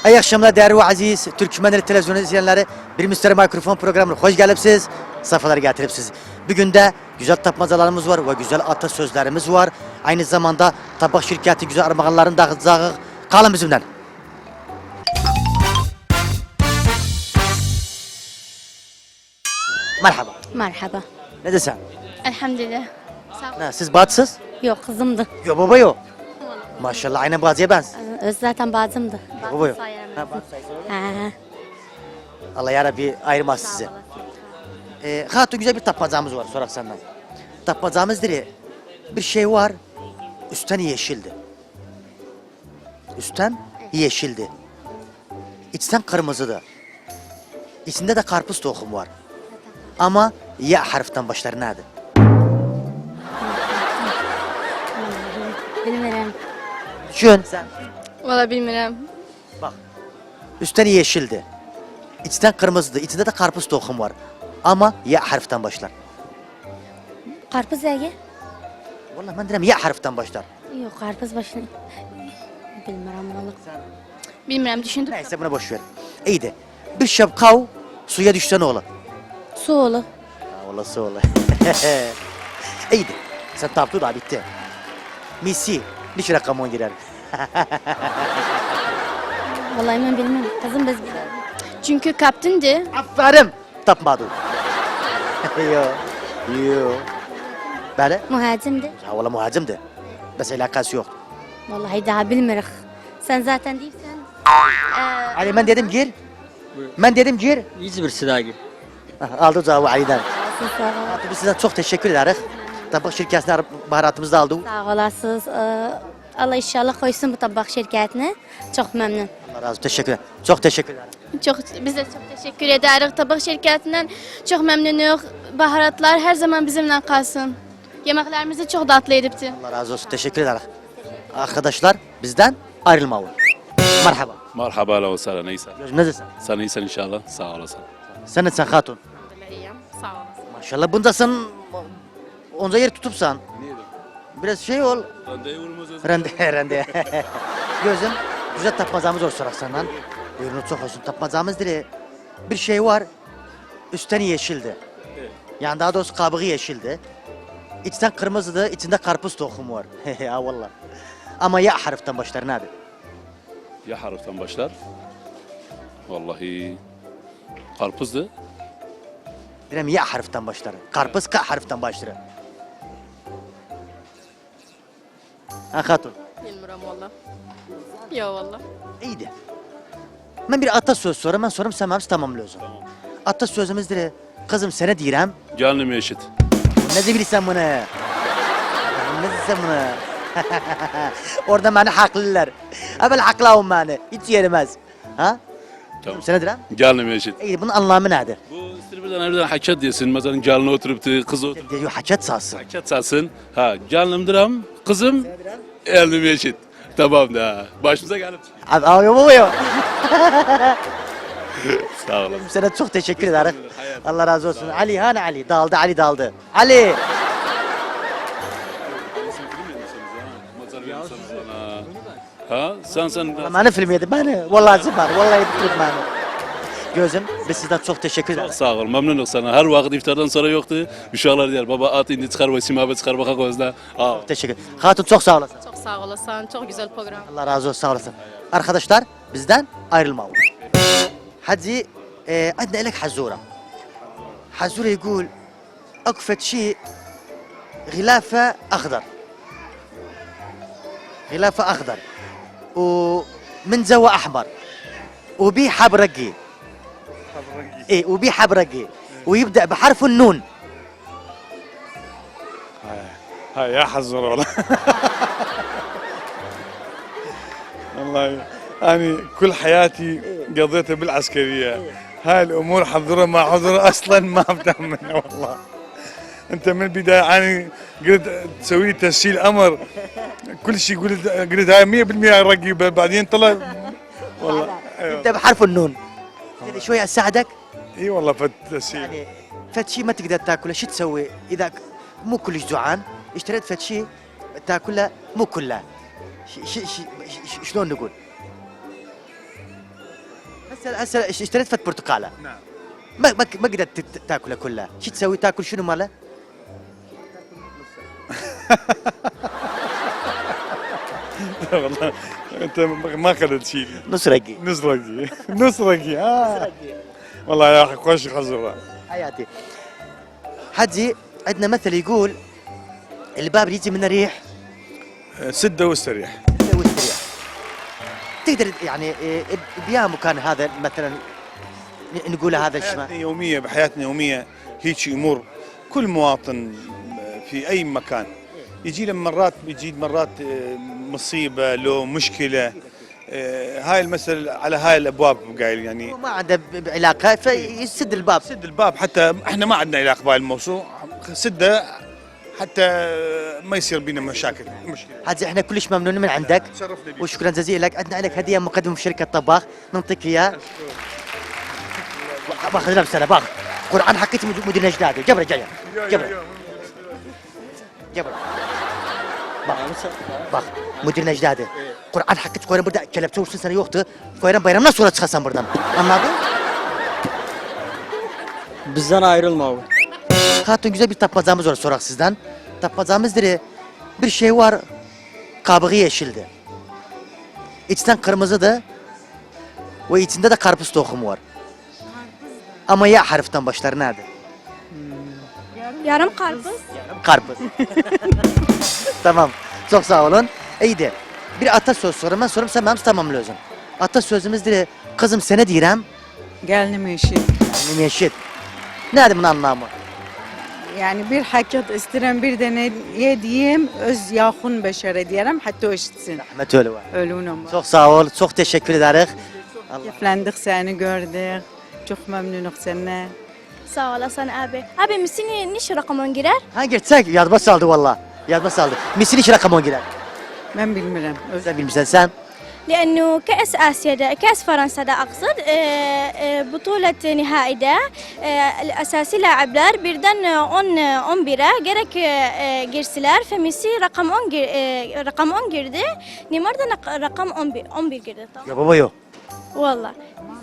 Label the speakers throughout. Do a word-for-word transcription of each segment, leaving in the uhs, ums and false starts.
Speaker 1: İyi akşamlar değerli ve aziz Türkmenleri televizyon izleyenleri. Bir Müşteri Mikrofon programına hoş gelipsiz. Safhalara getiripsiz. Bugün de güzel tapmacalarımız var ve güzel atasözlerimiz var. Aynı zamanda tabak şirketi güzel armağanların dağıtacağı. Kalın bizimle. Merhaba.
Speaker 2: Merhaba.
Speaker 1: Ne desen?
Speaker 2: Elhamdülillah.
Speaker 1: Ne, siz batsız?
Speaker 2: Yok kızımdı.
Speaker 1: Yok baba yok. Maşallah aynen bazıya benz.
Speaker 2: Öz zaten bacımdı.
Speaker 1: Baba yok.
Speaker 2: Sayarım.
Speaker 1: Ha, bazı sayısı var.
Speaker 2: Ha.
Speaker 1: Allah yarabbi ayırmaz sizi. Ee, hatun güzel bir tapmacamız var sorak senden. Tapmacamız dire bir şey var. Üstten yeşildi. Üstten yeşildi. İçten kırmızıdı. İçinde de karpuz tohumu var. Ama ya harften başlar nerede?
Speaker 2: Bilmiyorum.
Speaker 1: Düşün sen.
Speaker 2: Valla bilmiyorum.
Speaker 1: Bak. Üstten yeşildi. İçten kırmızıdı. İçinde de karpuz tohumu var. Ama ya harften başlar.
Speaker 2: Karpuz ege?
Speaker 1: Vallahi ben dedim ya harften başlar.
Speaker 2: Yok karpuz başını. Bilmiyorum valla. Bilmiyorum düşündüm.
Speaker 1: Neyse buna boş ver. İyiydi. Bir şapkav suya düşsen oğlu.
Speaker 2: Su oğlu.
Speaker 1: Ha, ola su ola. İyiydi. Sen taptı da bitti. Misi. Niç rakamon girer.
Speaker 2: Vallahi ben bilmem. Kızım biz bilirim. Çünkü kaptındı.
Speaker 1: Aferin. Tapmadı. Yo. Yo. Böyle?
Speaker 2: Muhacimdi.
Speaker 1: Ha valla muhacimdi. Bes alakası yok.
Speaker 2: Vallahi daha bilmirik. Sen zaten değilsen. Ee,
Speaker 1: Ali ben dedim gir. Ben dedim gir.
Speaker 3: İzmir Sidagi.
Speaker 1: Aha, aldı cevabı Ali'den.
Speaker 2: siz sağ ol.
Speaker 1: Biz size çok teşekkür ederiz. Tabak şirketine baharatımızı da aldı.
Speaker 2: Sağ olasınız. Ee, Allah inşallah koysun bu tabak şirketine. Çok memnun.
Speaker 1: Allah razı olsun. Teşekkür ederim. Çok teşekkür ederim.
Speaker 4: Çok, biz de çok teşekkür ederiz. Tabak şirketinden çok memnunuz. Baharatlar her zaman bizimle kalsın. Yemeklerimizi çok tatlı edipti.
Speaker 1: Allah razı olsun. Teşekkür ederiz. Arkadaşlar bizden ayrılmayın. Merhaba.
Speaker 5: Merhaba, ahlan ve sahlen, neyse.
Speaker 1: Gözüm ne desin?
Speaker 5: Sen iyisin inşallah, sağ olasın.
Speaker 1: Sen etsen hatun.
Speaker 4: İyiyim, sağ olasın.
Speaker 1: Maşallah bunda sen onca yer tutupsan. Biraz şey ol.
Speaker 5: Randevumuz
Speaker 1: Rende, rende. Gözüm güzel tapmacamız olur sorak senden. Buyurun çok olsun. Tapmacamız dire bir şey var. Üstten yeşildi. Yani daha doğrusu kabuğu yeşildi. İçten kırmızıdı, içinde karpuz tohumu var. Ya vallahi. Ama ya harften başlar nerede?
Speaker 5: Ya harften başlar. Vallahi karpuzdu.
Speaker 1: Direm ya harften başlar. Karpuz ka harften başlar. Ha hatun.
Speaker 4: Bilmiyorum valla. Yok valla.
Speaker 1: İyiydi. Ben bir atasöz sorayım, ben sorum sen hepsi tamamlıyorsun. Tamam. Atasözümüz dire, kızım sana direm,
Speaker 5: Canım eşit.
Speaker 1: ne diyorsun bunu? Ne diyorsun bunu? Orada beni haklılar. Evvel haklıyorum beni, hiç yerimez. Ha?
Speaker 5: Tamam.
Speaker 1: Sana direm?
Speaker 5: Canım eşit.
Speaker 1: İyi, bunun anlamı nedir?
Speaker 5: Bu istirbirden nereden hakikat diyorsun. Mesela canlı oturup kız oturup
Speaker 1: Diyor haçet sağsın.
Speaker 5: hakikat satsın. Ha canım diram, kızım elim eşit. Tamam da başımıza gelip.
Speaker 1: Abi abi baba yok.
Speaker 5: Sağ olun.
Speaker 1: Sana çok teşekkür ederim. Allah razı olsun. Ali hani Ali daldı Ali daldı. Ali.
Speaker 5: Ha sen sen
Speaker 1: Bana film yedi beni. Vallahi zıbar. Vallahi bitirdim beni. Gözüm biz sizden çok teşekkür
Speaker 5: Çok
Speaker 1: ederiz.
Speaker 5: sağ ol, memnunum sana. Her vakit iftardan sonra yoktu. Uşaklar diyor, baba at indi çıkar ve simabe çıkar baka gözle. Aa.
Speaker 1: Teşekkür. Hatun çok sağ olasın.
Speaker 4: Çok sağ olasın. Çok güzel program.
Speaker 1: Allah razı olsun sağ olasın. Arkadaşlar bizden ayrılma. Hadi e, عندنا لك حزورة. حزورة يقول أكفت شيء غلافة أخضر. غلافة أخضر ومن زوا أحمر وبيه حبرقي. إيه وبيه حبرقي ويبدأ بحرف النون.
Speaker 6: هاي يا حزر والله. والله أنا كل حياتي قضيتها بالعسكرية. هاي الأمور حضرها ما حضرها أصلا ما أفهم منها والله. أنت من البداية أنا قلت تسوي لي تسجيل أمر كل شيء قلت قلت هاي مية بالمية رقيبة بعدين طلع والله
Speaker 1: يبدأ بحرف النون. يعني شوية أساعدك.
Speaker 6: اي والله فت تسجيل.
Speaker 1: يعني فت شيء ما تقدر تاكله شو تسوي اذا مو كلش جوعان اشتريت فت شيء تاكله مو كله ش- ش- ش- ش- شلون نقول هسه هسه اشتريت فت برتقاله
Speaker 6: نعم.
Speaker 1: ما ما ما قدرت تت- تاكلها كلها، شو تسوي؟ تاكل شنو ماله؟
Speaker 6: والله انت ما قدرت شيء.
Speaker 1: نص رقي.
Speaker 6: نصرقي نصرقي اه والله يا اخي خوش خزره.
Speaker 1: حياتي. حجي عندنا مثل يقول الباب يجي من الريح
Speaker 6: سده واستريح.
Speaker 1: واستريح. تقدر يعني إيه، بيا مكان هذا مثلا ن- نقول هذا الشيء
Speaker 6: بحياتنا يوميه بحياتنا يوميه هيك امور كل مواطن في اي مكان يجي له مرات بيجي مرات آه، مصيبه لو مشكله آه، هاي المثل على هاي الابواب قايل يعني
Speaker 1: ما عنده ب- ب- علاقه فيسد الباب.
Speaker 6: سد الباب حتى احنا ما عندنا علاقه بهاي الموضوع سده حتى ما يصير بينا مشاكل مشكله.
Speaker 1: حجي احنا كلش ممنونين من عندك
Speaker 6: تشرفنا بك.
Speaker 1: وشكرا جزيلا لك. عندنا لك هديه مقدمه من شركه طباخ نعطيك اياها. باخذ لمسه باخذ قرآن حكيت مدير نجدادي جبره جايه جبره جبره باخ باخ مدير نجدادي قرآن حكيت كويران burada kelepçe olsun sana yoktu. Koyran bayramdan sonra çıkasan buradan. Anladın?
Speaker 3: Bizden ayrılma abi.
Speaker 1: Hatun güzel bir tapmacamız var sorak sizden. Tapmacamızdır. Bir şey var. Kabuğu yeşildi. İçten kırmızıdı. Ve içinde de karpuz tohumu var. Ama ya harften başlar nerede?
Speaker 2: Yarım karpuz.
Speaker 1: Karpuz. Tamam. Çok sağ olun. İyiydi. Bir atasöz sorayım ben sorayım sen benim tamamlıyorsun. Atasözümüzdür. Kızım sene diyirem.
Speaker 7: Gelinim eşi.
Speaker 1: Benim yeşil. Nerede bunun anlamı?
Speaker 7: Yani bir hakikat isterim bir de ne yediğim öz yakın beşere diyelim hatta o işitsin.
Speaker 1: Rahmet öyle var.
Speaker 7: Ölünüm var.
Speaker 1: Çok sağ ol. Çok teşekkür ederiz. Allah.
Speaker 7: Keyiflendik seni gördük. Çok memnunum seninle.
Speaker 4: Sağ olasın abi. Abi misini niş rakamın girer?
Speaker 1: Ha geçsek yazma saldı valla. Yazma saldı. Misini hiç rakam on girer.
Speaker 7: Ben bilmiyorum. Öz
Speaker 1: Sen bilmişsen sen.
Speaker 4: لأنه كأس آسيا ده كأس فرنسا ده أقصد آه، آه، بطولة نهائي ده آه، الأساسي لاعبler birden on on bire gerek e, girsiler Femisi rakam on gir, e, rakam on girdi. Neymar da nak- rakam on bir on bir girdi tamam.
Speaker 1: Ya baba yok.
Speaker 4: Vallahi.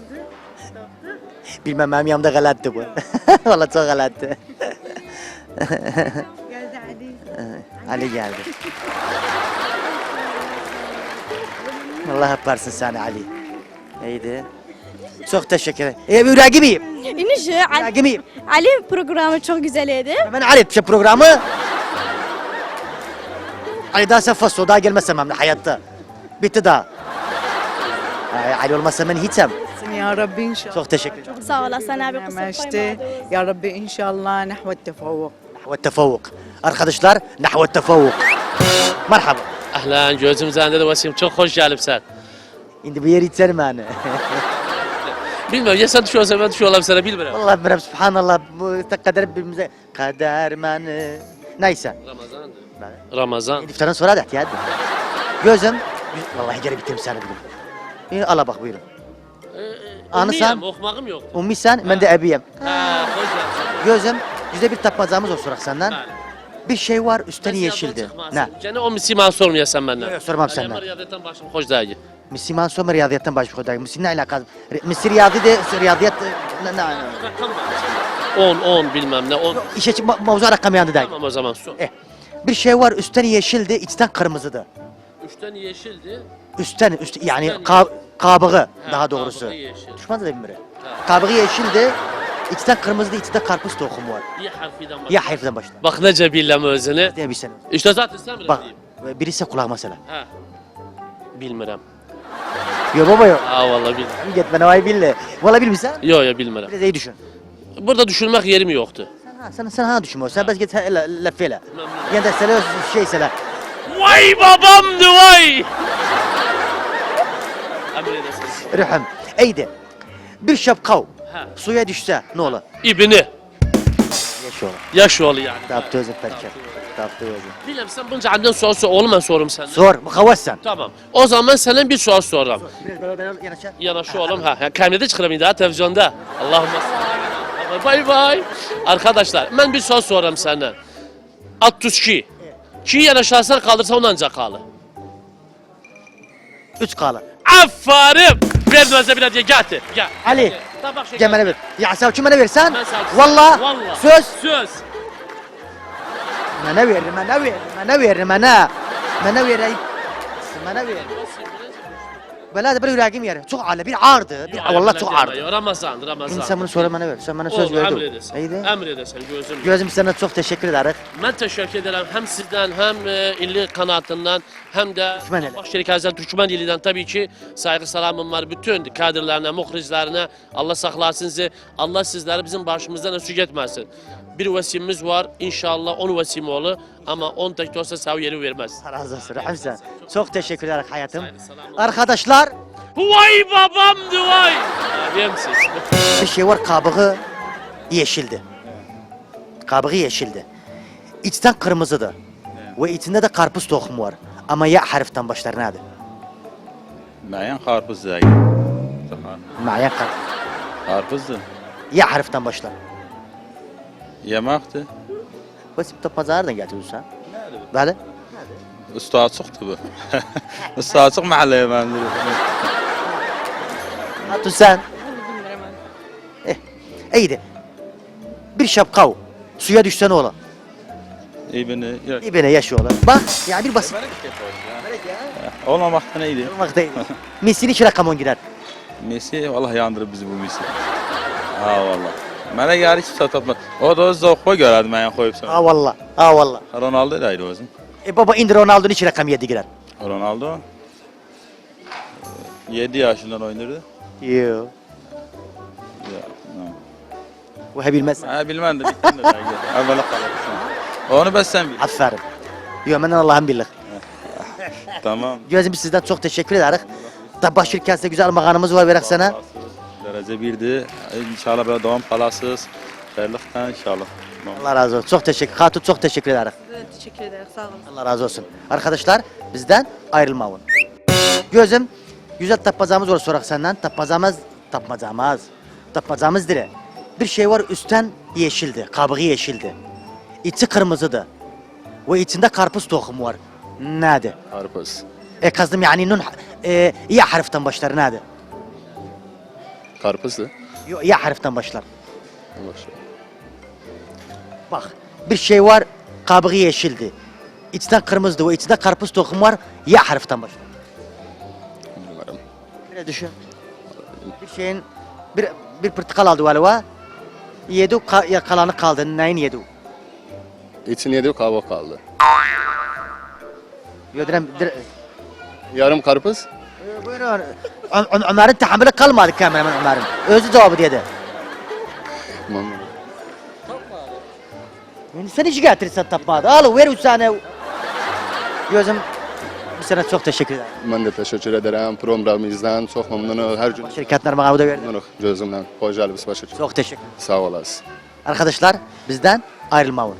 Speaker 1: Bilmem benim yanımda galattı bu. Valla çok galattı.
Speaker 7: Geldi Ali.
Speaker 1: Ali geldi. Allah yaparsın sen Ali. İyiydi. Çok teşekkür ederim. E, bir rakibiyim.
Speaker 4: İniş Ali,
Speaker 1: Rakibiyim.
Speaker 4: Ali programı çok güzeldi.
Speaker 1: Ben Ali etmişim programı. Ali daha sen fasso daha gelmezsem hem de hayatta. Bitti daha. Ay, Ali olmazsa ben hiçem.
Speaker 7: Ya Rabbi inşallah.
Speaker 1: Çok teşekkür ederim.
Speaker 4: Sağ olasın abi kusura
Speaker 7: Meşte.
Speaker 4: koyma.
Speaker 7: Ya Rabbi inşallah nahve tefavvuk.
Speaker 1: Nahve tefavvuk. Arkadaşlar nahve tefavvuk. Merhaba.
Speaker 8: Ahlan gözüm zende de Vasim çok hoş gelipsen.
Speaker 1: Şimdi bir yer içerim yani.
Speaker 8: Bilmiyorum ya sen düşüyorsan ben düşüyor olayım sana bilmiyorum.
Speaker 1: Vallahi bilmiyorum subhanallah bu kader birbirimize kader mani. Neyse.
Speaker 8: Ramazan'dı. Ramazan.
Speaker 1: İftardan sonra da ihtiyat. Gözüm. Vallahi geri bitirim seni bugün. İyi, ala bak buyurun. Anı sen,
Speaker 8: Ummiyim, okumağım yok.
Speaker 1: ummi sen, ben de ebiyim.
Speaker 8: Ha, hoş geldin.
Speaker 1: Gözüm, güzel bir tapmacamız olsun senden.
Speaker 8: Bəli.
Speaker 1: Bir şey var üstten
Speaker 8: Ben
Speaker 1: yeşildi.
Speaker 8: yabancı
Speaker 1: Ne?
Speaker 8: çıkmazsın. Gene o misiman sormayasan benden.
Speaker 1: Yok, sormam senden.
Speaker 8: Ama riyadetten başım hoş değil.
Speaker 1: Müslüman sonra riyadiyetten baş kodayım. Müslüman ne alakası? Mısır riyadi de riyadiyet ne ne?
Speaker 8: Rakam var. on, on bilmem ne. on.
Speaker 1: İşe çık- ma- mavzu rakam yandı değil.
Speaker 8: Tamam o zaman sor.
Speaker 1: Eh, bir şey var üstten yeşildi, içten kırmızıdı.
Speaker 8: Üçten yeşildi.
Speaker 1: Üstten, üst yani
Speaker 8: Üstten
Speaker 1: ka- kabuğu
Speaker 8: Ha,
Speaker 1: daha doğrusu.
Speaker 8: kabuğu yeşil.
Speaker 1: Düşman da bilmiyorum.
Speaker 8: Ha.
Speaker 1: Kabuğu yeşildi, içten kırmızıydı, içinde karpuz tohumu var.
Speaker 8: İyi harfinden başla.
Speaker 1: Ya harfden başla.
Speaker 8: Bak nece billem özünü.
Speaker 1: Diye bir sene.
Speaker 8: İşte zaten sen bile
Speaker 1: Bak,
Speaker 8: diyeyim.
Speaker 1: birisi kulak mesela.
Speaker 8: Ha. Bilmirem.
Speaker 1: Yo baba yo.
Speaker 8: Aa vallahi bilmirem.
Speaker 1: Git bana vay bille. Valla bilmişsen.
Speaker 8: Yo yo bilmirem.
Speaker 1: Biraz iyi düşün.
Speaker 8: Burada düşünmek yerim yoktu.
Speaker 1: Sen ha, sen, sen ha düşünmüyorsun. Sen bas git lafıyla. Yani de sele şey sele.
Speaker 8: Vay babamdı vay! Emredesin.
Speaker 1: Rühüm. İyiydi. Bir şapkav
Speaker 8: Ha.
Speaker 1: suya düşse ne olur?
Speaker 8: İbni.
Speaker 1: Yaş olur.
Speaker 8: Yaş oğlu yani.
Speaker 1: Taptı özüm perker. Taptı özüm.
Speaker 8: Bilmem sen bunca andan soru sor. Oğlum ben sorum senden.
Speaker 1: Sor. Mukavvas sen.
Speaker 8: Tamam. O zaman senden bir soru sorarım.
Speaker 1: Biraz böyle böyle yanaşa.
Speaker 8: Yanaş oğlum ha. ha Kamilede çıkarım daha televizyonda. Allahümme salli. Bay bay. Arkadaşlar ben bir soru sorarım senden. altmış iki. Ki yanaşarsan kaldırsa ondan ancak kalır.
Speaker 1: Üç kalı.
Speaker 8: Aferin. Ver bize bir hediye getir. Gel.
Speaker 1: Ali.
Speaker 8: Tabak şeker.
Speaker 1: Gel bana ver. Ya sen kim bana versen?
Speaker 8: Ben sana-
Speaker 1: Valla.
Speaker 8: Valla.
Speaker 1: Söz.
Speaker 8: Söz.
Speaker 1: Bana ver, bana ver, bana ver, bana. Bana ver. ay. Bana ver. Bela da bir yüreğim yer. Çok ağır, bir ağırdı. Bir, vallahi çok ağırdı.
Speaker 8: Ramazan, Ramazan.
Speaker 1: Sen bunu söyle bana ver. Sen bana söz
Speaker 8: Olur,
Speaker 1: verdin.
Speaker 8: emredesen.
Speaker 1: İyiydi.
Speaker 8: Emredesen gözüm.
Speaker 1: Gözüm sana çok teşekkür ederiz.
Speaker 8: Ben teşekkür ederim hem sizden hem e, illi kanatından hem de
Speaker 1: Türkmeneli.
Speaker 8: Baş Şirketi'den Türkmen dilinden tabii ki saygı selamım var bütün kadirlerine, muhrizlerine. Allah saklasın sizi. Allah sizleri bizim başımızdan eksik etmesin. Bir vesimimiz var. İnşallah on vesim olur ama on tek de olsa sağ yeri vermez.
Speaker 1: Allah razı olsun. Hamza. Çok teşekkür ederim hayatım. Arkadaşlar
Speaker 8: Vay babamdı vay. Yemsiz.
Speaker 1: bir şey var, kabuğu yeşildi. Kabuğu yeşildi. İçten kırmızıdı. Ve içinde de karpuz tohumu var. Ama ya harften başlar nedir?
Speaker 9: Mayan karpuz da.
Speaker 1: Mayan karpuz.
Speaker 9: Karpuz da.
Speaker 1: Ya harften başlar.
Speaker 9: Yemaktı.
Speaker 1: Basit de pazardan getiriyorsun. Böyle.
Speaker 9: Usta çıktı bu. Usta çık mahalleye ben dedim.
Speaker 1: Hatun sen. Eh, iyiydi. Bir şapkav suya düşse ne olur?
Speaker 9: İyi beni.
Speaker 1: İbine yaşıyorlar. Bak ya bir basit.
Speaker 9: Olmamakta neydi?
Speaker 1: Olmaktaydı. Messi'nin iki rakamon girer.
Speaker 9: Messi vallahi yandırır bizi bu Messi. Ha vallahi. Bana gari hiç satatmaz. O da o zokko görerdim ben koyup sana.
Speaker 1: Ha valla. Ha valla.
Speaker 9: Ronaldo da ayrı o zaman.
Speaker 1: E baba indir Ronaldo'nun iki rakam yedi girer.
Speaker 9: Ronaldo yedi yaşından oynardı.
Speaker 1: Yo.
Speaker 9: Ya, no.
Speaker 1: Bu he bilmez.
Speaker 9: Ha bilmem de bittim de belki. Evvela kalırsın. Onu ben sen bil.
Speaker 1: Aferin. Yo benden Allah'ın billah.
Speaker 9: Tamam.
Speaker 1: Gözüm sizden çok teşekkür ederiz. Tabak şirketinde güzel makanımız var verek sana.
Speaker 9: Derece birdi. İnşallah böyle devam kalasız. Hayırlıkla inşallah.
Speaker 1: Allah razı olsun. Çok teşekkür. Hatun çok teşekkür ederiz.
Speaker 7: Teşekkür ederim. Sağ olun.
Speaker 1: Allah razı olsun. Arkadaşlar bizden ayrılmayın. Gözüm güzel tapmacamız var sorak senden. Tapmacamız, tapmacamız. Tapmacamız dire. Bir şey var üstten yeşildi. Kabuğu yeşildi. İçi kırmızıdı. Ve içinde karpuz tohumu var. Nerede?
Speaker 9: Karpuz.
Speaker 1: E kazdım yani nun e, ya harften başlar nerede?
Speaker 9: Karpuzdu.
Speaker 1: Yo, ya harften başlar. Bak bir şey var kabuğu yeşildi. İçten kırmızıdı ve içinde karpuz tohumu var. Ya harften başlar.
Speaker 9: Bilmiyorum.
Speaker 1: Böyle düşün. Bir şeyin bir bir portakal aldı galiba. Yedi ka, ya kalanı kaldı. Neyin yedi?
Speaker 10: İçin yedi kabuk kaldı.
Speaker 1: Yodirem dir,
Speaker 10: Yarım karpuz.
Speaker 1: e, buyurun. On, on, onların tahammülü kalmadı kameraman onların. Özü cevabı dedi. Yani sen hiç getirirsen tapmadı. Al ver üç tane. Gözüm bir sana çok teşekkür ederim.
Speaker 10: Ben de teşekkür ederim. Programımızdan çok memnunum. Her gün
Speaker 1: Şirketler bana da verdi.
Speaker 10: memnunum gözümden. Hoş geldiniz başa.
Speaker 1: Çok teşekkür.
Speaker 10: Sağ olasın.
Speaker 1: Arkadaşlar bizden ayrılmayın.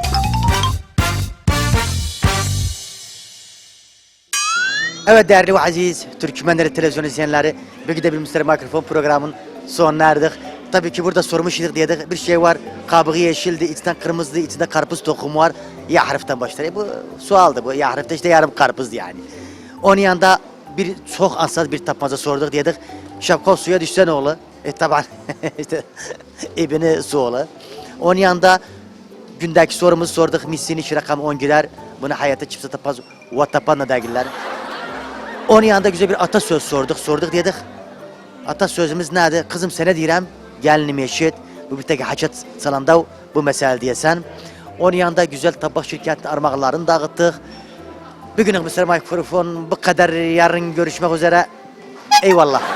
Speaker 1: Evet değerli ve aziz Türkmenleri televizyon izleyenleri, bir de bir Mister Mikrofon programın sonuna erdik. Tabii ki burada sormuştuk diye bir şey var. Kabuğu yeşildi, içten kırmızıydı, içinde karpuz tohumu var. Ya harften başlar. E bu sualdı bu. Ya harfte işte yarım karpuzdu yani. Onun yanında bir çok ansaz bir tapmaca sorduk dedik. Şapka suya düşse ne olur? E taban işte ibini su olur. Onun yanında gündeki sorumuzu sorduk. Missini iş rakam on girer. Bunu hayata çipse tapaz. Vatapanla dergiler. Onun yanında güzel bir atasöz sorduk. Sorduk dedik. Atasözümüz nerede? Kızım sana diyeceğim. Gelinim eşit. Bu bir tek hacet salanda bu mesele diyesen. Onun yanında güzel tabak şirketinin armağanlarını dağıttık. Bugünlük Mister Mikrofon bu kadar. Yarın görüşmek üzere. Eyvallah.